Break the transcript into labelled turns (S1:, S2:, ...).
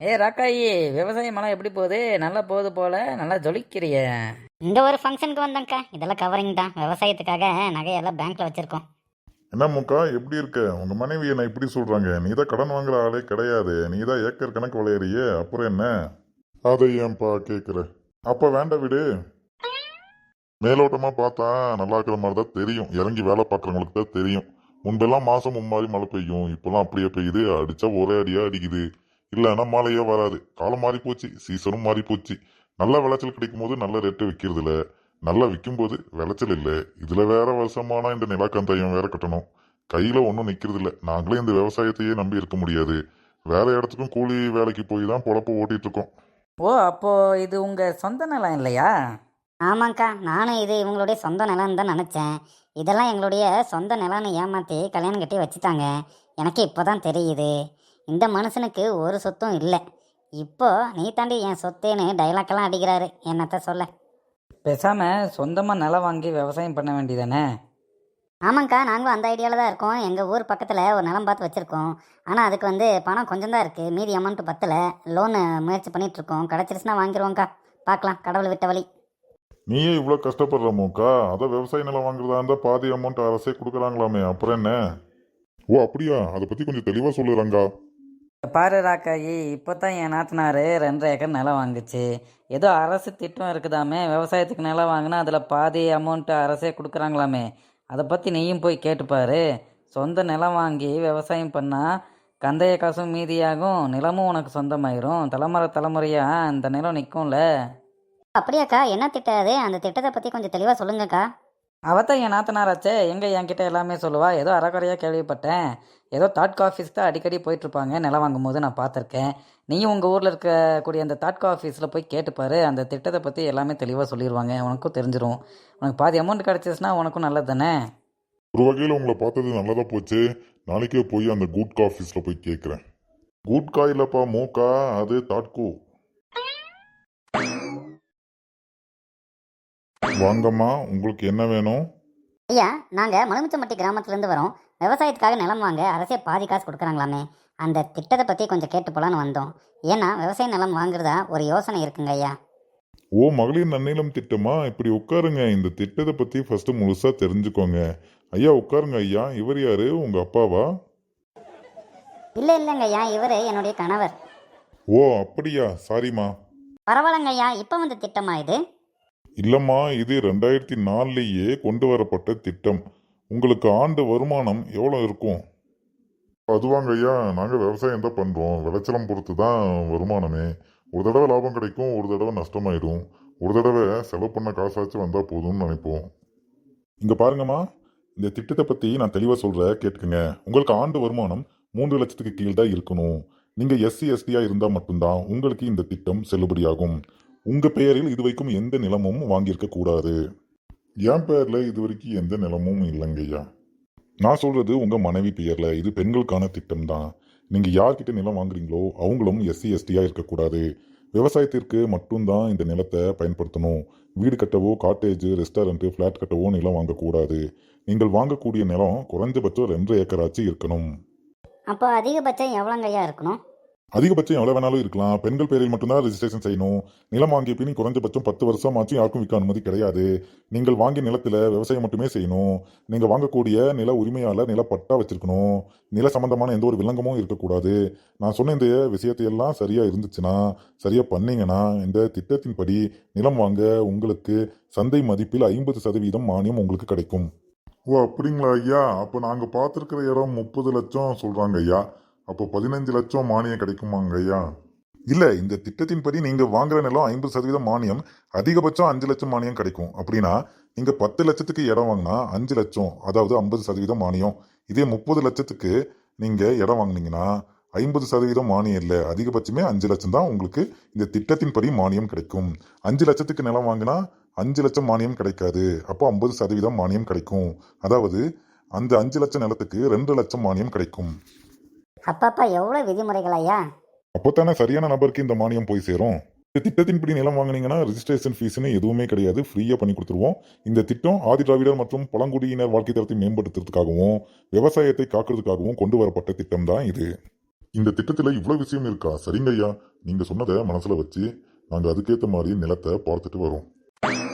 S1: ராக்காயி, விவசாயமெல்லாம் எப்படி போகுது? நல்லா போகுது போல, நல்லா ஜொலிக்கிறிய.
S2: இந்த ஒரு ஃபங்க்ஷனுக்கு வந்தேங்க்கா. இதெல்லாம் கவரிங் தான். விவசாயத்துக்காக நகையெல்லாம் பேங்க்ல வச்சிருக்கோம்.
S3: என்ன முக்கா எப்படி இருக்க? உங்க மனைவி என்ன இப்படி சொல்றாங்க? நீ தான் கடன் வாங்குற ஆளே கிடையாது, நீ தான் ஏக்கர் கணக்கு விளையாறியே, அப்புறம் என்ன? அதை ஏன்பா கேட்குற? அப்ப வேண்டாம் விடு. மேலோட்டமா பார்த்தா நல்லா இருக்கிற மாதிரி தான் தெரியும், இறங்கி வேலை பார்க்குறவங்களுக்கு தான் தெரியும். முன்பெல்லாம் மாசம் மும்மாரி மழை பெய்யும், இப்பெல்லாம் அப்படியே பெய்யுது, அடிச்சா ஒரே அடியா அடிக்குது. இல்லைன்னா மழையே வராது. காலம் மாறி போச்சு, சீசனும் மாறி போச்சு. நல்ல விளைச்சல் கிடைக்கும் போது நல்ல ரேட்டு விற்கிறது இல்ல, நல்லா விற்கும் போது விளைச்சல் இல்லை. இதுல வேற வருஷமானா இந்த நிலக்கந்தாயம் வேற கட்டணும். கையில ஒன்றும் நிக்கிறது இல்ல. நாங்களே இந்த விவசாயத்தையே நம்பி இருக்க முடியாது. வேற இடத்துக்கும் கூலி வேலைக்கு போய் தான் பொழப்ப ஓட்டிட்டு இருக்கோம்.
S1: ஓ, அப்போ இது உங்க சொந்த நிலம் இல்லையா?
S2: ஆமாங்க்கா, நானும் இது இவங்களுடைய சொந்த நிலம்னு தான் நினச்சேன். இதெல்லாம் எங்களுடைய சொந்த நிலம்னு ஏமாற்றி கல்யாணம் கட்டி வச்சுட்டாங்க. எனக்கு இப்போ தான் தெரியுது, இந்த மனுஷனுக்கு ஒரு சொத்தும் இல்லை. இப்போ நீ தாண்டி என் சொத்தேன்னு டைலாக்கெல்லாம் அடிக்கிறாரு. என்னத்த சொல்ல.
S1: பேசாம சொந்தமா நிலம் வாங்கி விவசாயம் பண்ண வேண்டியதானே?
S2: ஆமாங்க்கா, நாங்களும் அந்த ஐடியாவில் தான் இருக்கோம். எங்கள் ஊர் பக்கத்தில் ஒரு நிலம் பார்த்து வச்சுருக்கோம். ஆனால் அதுக்கு பணம் கொஞ்சம் தான் இருக்குது, மீதி அமௌண்ட்டு பத்தில். லோனு முயற்சி பண்ணிகிட்ருக்கோம். கிடச்சிருச்சுன்னா வாங்கிடுவோங்க்கா. பார்க்கலாம், கடவுள் விட்ட வழி.
S3: நீயே இவ்வளோ கஷ்டப்படுற மூக்கா? அதான் விவசாய நிலம் வாங்குறதா இருந்தா பாதி அமௌண்ட் அரசே கொடுக்குறாங்களாமே, அப்புறம் என்ன? ஓ அப்படியா? அதை பத்தி கொஞ்சம் தெளிவா சொல்லுறாங்க.
S1: பாரு ராக்காயி, இப்போ தான் என் நாத்தனாரு 2.5 ஏக்கர் நிலம் வாங்குச்சு. ஏதோ அரசு திட்டம் இருக்குதாமே, விவசாயத்துக்கு நிலம் வாங்கினா அதில் பாதி அமௌண்ட்டு அரசே கொடுக்குறாங்களாமே. அதை பற்றி நீயும் போய் கேட்டுப்பாரு. சொந்த நிலம் வாங்கி விவசாயம் பண்ணால் கந்தைய காசும் மீதியாகும், நிலமும் உனக்கு சொந்தமாயிரும். தலைமுறையாக இந்த நிலம் நிற்கும்ல.
S2: அப்படியாக்கா? என்ன திட்டம் அது? அந்த திட்டத்தை பற்றி கொஞ்சம் தெளிவாக சொல்லுங்கக்கா.
S1: அவத்தான் என் நாத்தனாராச்சே, எங்கே என்கிட்ட எல்லாமே சொல்லுவா. ஏதோ அறக்குறையாக கேள்விப்பட்டேன். ஏதோ தாட்கோ ஆஃபீஸ் தான் அடிக்கடி போயிட்டுருப்பாங்க நிலம் வாங்கும் போது, நான் பார்த்துருக்கேன். நீயும் உங்கள் ஊரில் இருக்கக்கூடிய அந்த தாட்கோ ஆஃபீஸில் போய் கேட்டுப்பாரு. அந்த திட்டத்தை பற்றி எல்லாமே தெளிவாக சொல்லிடுவாங்க, உனக்கும் தெரிஞ்சிடும். உனக்கு பாதி அமௌண்ட் கிடச்சிச்சுன்னா உனக்கும் நல்லது தானே.
S3: ஒரு வகையில் உங்களை பார்த்தது நல்லதா போச்சு. நாளைக்கே போய் அந்த குட்கா ஆஃபீஸில் போய் கேட்குறேன். குட்கா இல்லப்பா, மூக்கா, அது தாட்கோ. வாங்கம்மா, உங்களுக்கு என்ன வேணும்?
S2: ஐயா, நாங்கள் மலுமிச்சம்பட்டி கிராமத்துலேருந்து வரோம். விவசாயத்துக்காக நிலம் வாங்க அரசே பாதி காசு கொடுக்குறாங்களாமே. அந்த திட்டத்தை பற்றி கொஞ்சம் கேட்டு போகலான்னு வந்தோம். ஏன்னா விவசாய நிலம் வாங்குறதா ஒரு யோசனை இருக்குங்க ஐயா.
S3: ஓ, மகளிர் நன்னிலம் திட்டமா? இப்படி உட்காருங்க, இந்த திட்டத்தை பற்றி ஃபர்ஸ்ட் முழுசா தெரிஞ்சுக்கோங்க. ஐயா உட்காருங்க. ஐயா, இவர் யாரு? உங்க அப்பாவா?
S2: இல்லைங்க ஐயா, இவர் என்னுடைய கணவர்.
S3: ஓ அப்படியா, சாரிம்மா.
S2: பரவாயில்லங்க ஐயா, இப்போ வந்து திட்டமா இது?
S3: இல்லம்மா, இது 2004லேயே கொண்டு வரப்பட்ட திட்டம். உங்களுக்கு ஆண்டு வருமானம் எவ்வளோ இருக்கும்? அதுவாங்க ஐயா, நாங்கள் விவசாயம் தான் பண்ணுறோம். விளைச்சலம் பொறுத்து தான் வருமானமே. ஒரு தடவை லாபம் கிடைக்கும், ஒரு தடவை நஷ்டமாயிடும். ஒரு தடவை செலவு பண்ண காசாச்சும் வந்தால் போதும்னு நினைப்போம். இங்கே பாருங்கம்மா, இந்த திட்டத்தை பற்றி நான் தெளிவாக சொல்கிறேன், கேட்டுக்குங்க. உங்களுக்கு ஆண்டு வருமானம் 3 லட்சத்துக்கு கீழ் தான் இருக்கணும். நீங்கள் எஸ்சி எஸ்டியாக இருந்தால் மட்டும்தான் உங்களுக்கு இந்த திட்டம் செல்லுபடியாகும். உங்கள் பெயரில் இதுவரைக்கும் எந்த நிலமும் வாங்கியிருக்க கூடாது. என் பேரில் இதுவரைக்கும் எந்த நிலமும் இல்லைங்கய்யா. நான் சொல்கிறது உங்கள் மனைவி பெயரில். இது பெண்களுக்கான திட்டம் தான். நீங்கள் யார்கிட்ட நிலம் வாங்குறீங்களோ அவங்களும் எஸ்சி எஸ்டியாக இருக்கக்கூடாது. விவசாயத்திற்கு மட்டும்தான் இந்த நிலத்தை பயன்படுத்தணும். வீடு கட்டவோ, காட்டேஜ், ரெஸ்டாரண்ட்டு, ஃப்ளாட் கட்டவோ நிலம் வாங்கக்கூடாது. நீங்கள் வாங்கக்கூடிய நிலம் குறைஞ்சபட்சம் 2 ஏக்கராச்சு இருக்கணும்.
S2: அப்போ அதிகபட்சம் எவ்வளோங்க ஐயா இருக்கணும்?
S3: அதிகபட்சம் எவ்வளோ வேணாலும் இருக்கலாம். பெண்கள் பேரில் மட்டும்தான் ரெஜிஸ்ட்ரேஷன் செய்யணும். நிலம் வாங்கிய பின் குறைஞ்சபட்சம் 10 வருஷம் ஆச்சும் யாருக்கும் விற்க அனுமதி கிடையாது. நீங்கள் வாங்கிய நிலத்தில் விவசாயம் மட்டுமே செய்யணும். நீங்கள் வாங்கக்கூடிய நில உரிமையாளர் நிலப்பட்டா வச்சிருக்கணும். நில சம்பந்தமான எந்த ஒரு விலங்கமும் இருக்கக்கூடாது. நான் சொன்ன இந்த விஷயத்தையெல்லாம் சரியாக இருந்துச்சுன்னா, சரியாக பண்ணீங்கன்னா, இந்த திட்டத்தின்படி நிலம் வாங்க உங்களுக்கு சந்தை மதிப்பில் 50% மானியம் உங்களுக்கு கிடைக்கும். ஓ அப்படிங்களா ஐயா? அப்போ நாங்கள் பார்த்துருக்கிற இடம் 30 லட்சம் சொல்கிறாங்க ஐயா. அப்போ 15 லட்சம் மானியம் கிடைக்குமாங்க ஐயா? இல்லை, இந்த திட்டத்தின்படி நீங்கள் வாங்குற நிலம் 50% மானியம், அதிகபட்சம் 5 லட்சம் மானியம் கிடைக்கும். அப்படின்னா நீங்கள் 10 லட்சத்துக்கு இடம் வாங்கினா 5 லட்சம், அதாவது 50% மானியம். இதே 30 லட்சத்துக்கு நீங்கள் இடம் வாங்கினீங்கன்னா 50% மானியம் இல்லை, அதிகபட்சமே 5 லட்சம் தான் உங்களுக்கு இந்த திட்டத்தின்படி மானியம் கிடைக்கும். 5 லட்சத்துக்கு நிலம் வாங்கினா 5 லட்சம் மானியம் கிடைக்காது. அப்போ 50% மானியம் கிடைக்கும். அதாவது அந்த 5 லட்சம் நிலத்துக்கு 2 லட்சம் மானியம் கிடைக்கும்.
S2: அப்பப்பா, எவ்வளோ விதிமுறைகள் ஐயா!
S3: அப்போத்தானே சரியான நபருக்கு இந்த மானியம் போய் சேரும். இந்த திட்டத்தின்படி நிலம் வாங்கினீங்கன்னா ரெஜிஸ்ட்ரேஷன் ஃபீஸ்னு எதுவுமே கிடையாது, ஃப்ரீயாக பண்ணி கொடுத்துருவோம். இந்த திட்டம் ஆதி திராவிடர் மற்றும் பழங்குடியினர் வாழ்க்கை தரத்தை மேம்படுத்துறதுக்காகவும் விவசாயத்தை காக்கிறதுக்காகவும் கொண்டு வரப்பட்ட திட்டம் தான் இது. இந்த திட்டத்துல இவ்வளவு விஷயம் இருக்கா? சரிங்க ஐயா, நீங்க சொன்னதை மனசுல வச்சு நாங்க அதுக்கேத்த மாதிரி நிலத்தை பார்த்துட்டு வரோம்.